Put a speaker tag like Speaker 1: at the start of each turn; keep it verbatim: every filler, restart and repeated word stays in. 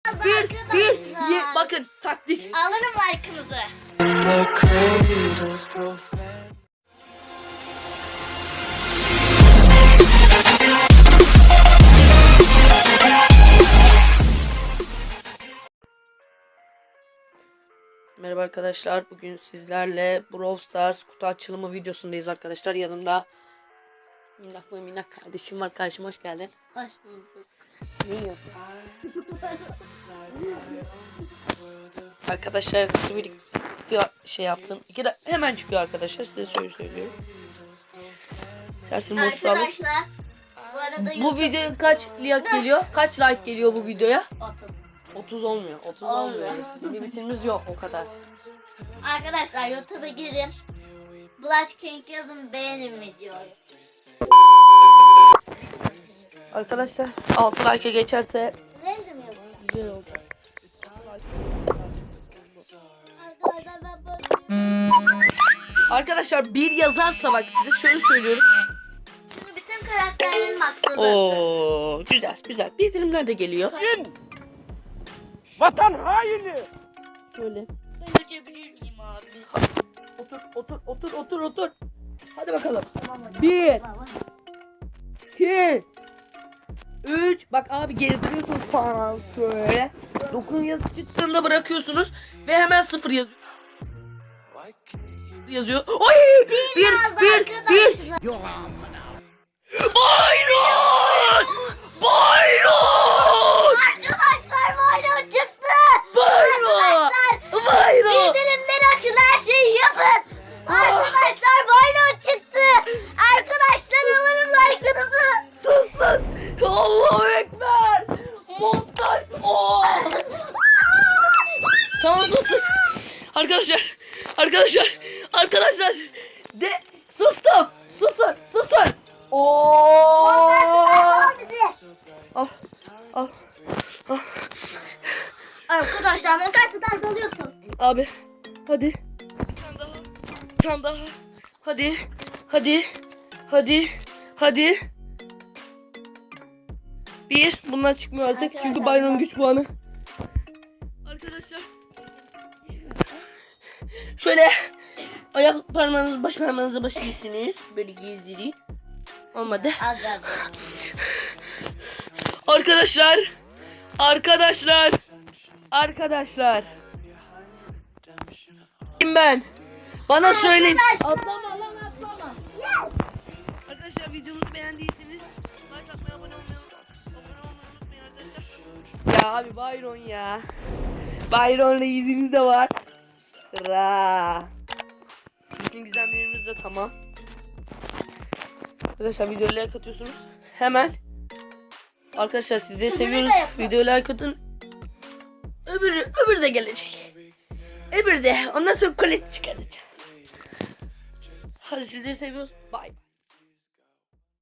Speaker 1: bir, bir, ye, bakın taktik.
Speaker 2: Alırım like'ınızı.
Speaker 1: Merhaba arkadaşlar, bugün sizlerle Brawl Stars kutu açılımı videosundayız arkadaşlar. Yanımda minnak mı minnak kardeşim var. Kardeşim hoş geldin.
Speaker 2: Hoş bulduk.
Speaker 1: Ne yiyorsun? Arkadaşlar kutu bir şey yaptım. İki de hemen çıkıyor arkadaşlar, size şöyle söylüyorum. İstersen boş alır.
Speaker 2: Arkadaşlar bu arada
Speaker 1: Bu video kaç like geliyor? Kaç like geliyor bu videoya?
Speaker 2: otuz.
Speaker 1: otuz olmuyor. otuz
Speaker 2: Olmuyor.
Speaker 1: olmuyor. Limitimiz yok o kadar.
Speaker 2: Arkadaşlar YouTube'a girin. Blush King yazın, beğenin videoyu.
Speaker 1: Arkadaşlar altı like'e geçerse
Speaker 2: Random yazın.
Speaker 1: güzel oldu.
Speaker 2: Arkadaşlar ben bakıyorum.
Speaker 1: Arkadaşlar bir yazarsa bak size şöyle söylüyorum.
Speaker 2: Şimdi bütün karakterlerin maksadı.
Speaker 1: Oo güzel güzel. Bildirimler de geliyor.
Speaker 3: Vatan haini!
Speaker 1: Şöyle.
Speaker 2: Ben uçabilir miyim abi?
Speaker 1: Otur otur otur otur otur. Hadi bakalım.
Speaker 2: Tamam hocam.
Speaker 1: Bir.
Speaker 2: Tamam.
Speaker 1: iki üç Bak abi gezdiriyorsunuz falan şöyle. dokuz yazı çıktığında bırakıyorsunuz ve hemen sıfır yazıyor. Yazıyor. Oy! Bir
Speaker 2: Biraz
Speaker 1: bir bir.
Speaker 2: arkadaşlar.
Speaker 1: Bayron! Bayron!
Speaker 2: Arkadaşlar Bayron çıktı.
Speaker 1: Bayron! Bayron!
Speaker 2: Bildirimleri açın, her şeyi yapın. Arkadaşlar Bayron çıktı. Arkadaşlar alırım like'ınızı.
Speaker 1: Susun! Allahu Ekber! Montaj! Oh! Tamam sus sus. Arkadaşlar, arkadaşlar, arkadaşlar. De sustum. Susun, susun. Oo! Al, al, al.
Speaker 2: Arkadaşlar montajdan dalıyorsun.
Speaker 1: Abi, hadi. Bir tane daha, bir tane daha. Hadi, hadi, hadi, hadi. Bir, bunlar çıkmıyor artık çünkü
Speaker 2: Arkadaşlar,
Speaker 1: Bayram
Speaker 2: bak.
Speaker 1: güç puanı. Arkadaşlar. Şöyle ayak parmağınızı baş parmağınıza basıyorsunuz. Böyle gezdirin. Olmadı.
Speaker 2: Aga be.
Speaker 1: Arkadaşlar. Arkadaşlar. Arkadaşlar. Kim ben? Bana söyleyin. Atlama lan atlama. Arkadaşlar videomuzu beğendiyseniz like atmayı, abone olmayı, abone olmayı unutmayın arkadaşlar. Ya abi Byron ya. Byron'la yüzümüz de var. Ra. Bütün gizemlerimiz de tamam. Arkadaşlar videoya like atıyorsunuz. Hemen. Arkadaşlar sizleri
Speaker 2: Şunu da
Speaker 1: seviyoruz.
Speaker 2: yapın.
Speaker 1: Videoya like atın. Öbürü, öbürü de gelecek. Öbürü de. Ondan sonra kolet çıkaracağım. Hadi sizleri seviyoruz. Bye.